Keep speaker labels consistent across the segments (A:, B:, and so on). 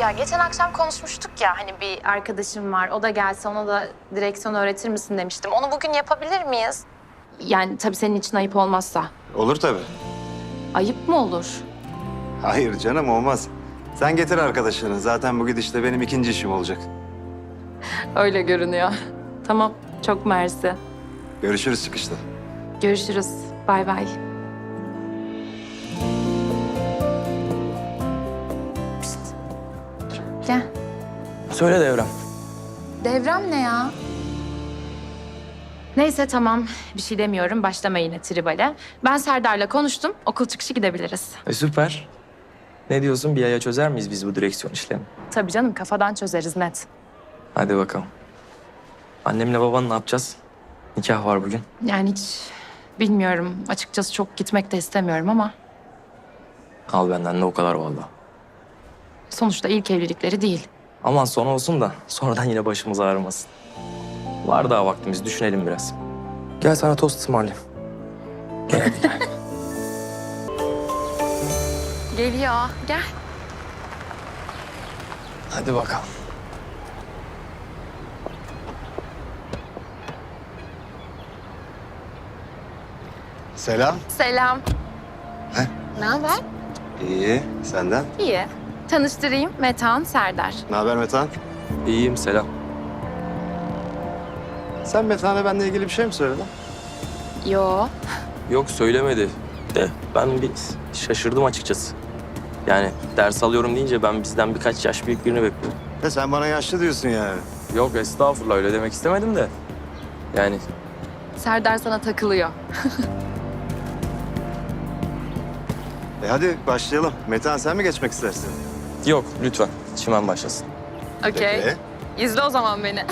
A: Ya geçen akşam konuşmuştuk ya hani bir arkadaşım var. O da gelse ona da direksiyon öğretir misin demiştim. Onu bugün yapabilir miyiz? Yani tabii senin için ayıp olmazsa.
B: Olur tabii.
A: Ayıp mı olur?
B: Hayır canım olmaz. Sen getir arkadaşını. Zaten bu gidişle benim ikinci işim olacak.
A: Öyle görünüyor. Tamam, çok mersi.
B: Görüşürüz çıkışta.
A: Görüşürüz. Bay bay. Pişt. Gel.
C: Söyle Devrem.
A: Devrem ne ya? Neyse tamam. Bir şey demiyorum. Başlama yine tribale. Ben Serdar'la konuştum. Okul çıkışı gidebiliriz.
C: Süper. Ne diyorsun? Bir aya çözer miyiz biz bu direksiyon işlerini?
A: Tabii canım kafadan çözeriz net.
C: Hadi bakalım. Annemle baban ne yapacağız? Nikah var bugün.
A: Yani hiç bilmiyorum. Açıkçası çok gitmek de istemiyorum ama
C: Al benden de o kadar vallahi.
A: sonuçta ilk evlilikleri değil.
C: Aman son olsun da sonradan yine başımız ağrımasın. Var daha vaktimiz, düşünelim biraz. Gel sana tost ısmarlayayım. Gel.
A: Geliyor. Gel.
C: Hadi bakalım.
B: Selam.
A: Selam.
B: He?
A: Ne haber?
B: İyi. Senden?
A: İyi. Tanıştırayım. Metehan, Serdar.
B: Ne haber Metehan?
C: İyiyim, selam.
B: Sen Metehan'a benimle ilgili bir şey mi söyledin?
A: Yo.
C: Yok söylemedi. De ben bir şaşırdım açıkçası. Yani ders alıyorum deyince ben bizden birkaç yaş büyük birini bekliyorum.
B: Sen bana yaşlı diyorsun yani.
C: Yok estağfurullah öyle demek istemedim de. Yani
A: Serdar sana takılıyor.
B: Hadi başlayalım. Metehan sen mi geçmek istersin?
C: yok lütfen çimen başlasın.
A: Okey.
B: Peki.
A: İzle o zaman beni.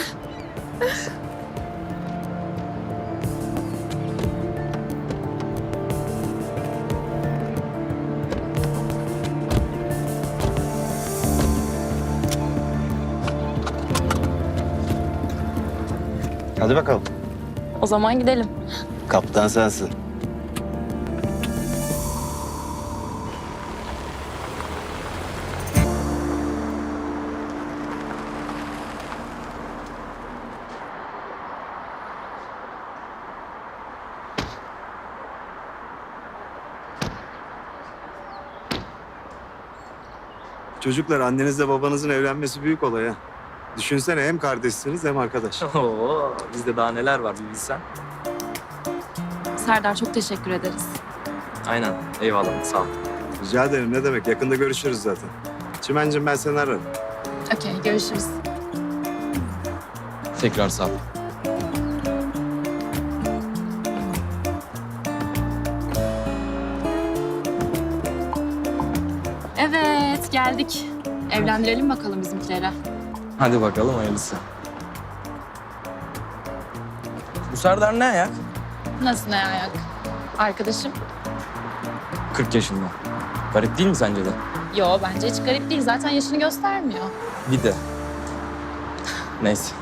B: Hadi bakalım.
A: O zaman gidelim.
B: Kaptan sensin. Çocuklar annenizle babanızın evlenmesi büyük olay ha. Düşünsene hem kardeşsiniz hem arkadaş.
C: Oo, bizde daha neler var bir bilsen.
A: Serdar çok teşekkür ederiz.
C: Aynen eyvallah sağ ol.
B: Rica ederim ne demek yakında görüşürüz zaten. Çimencim ben seni ararım.
A: Okey, görüşürüz.
C: Tekrar sağ ol.
A: Evet, geldik. Evlendirelim bakalım bizimkilere.
C: Hadi bakalım hayırlısı. Bu Serdar ne ayak?
A: Nasıl ne ayak? Arkadaşım?
C: 40 yaşında. Garip değil mi sence de?
A: Yo, bence hiç garip değil. Zaten yaşını göstermiyor.
C: Bir de. Neyse.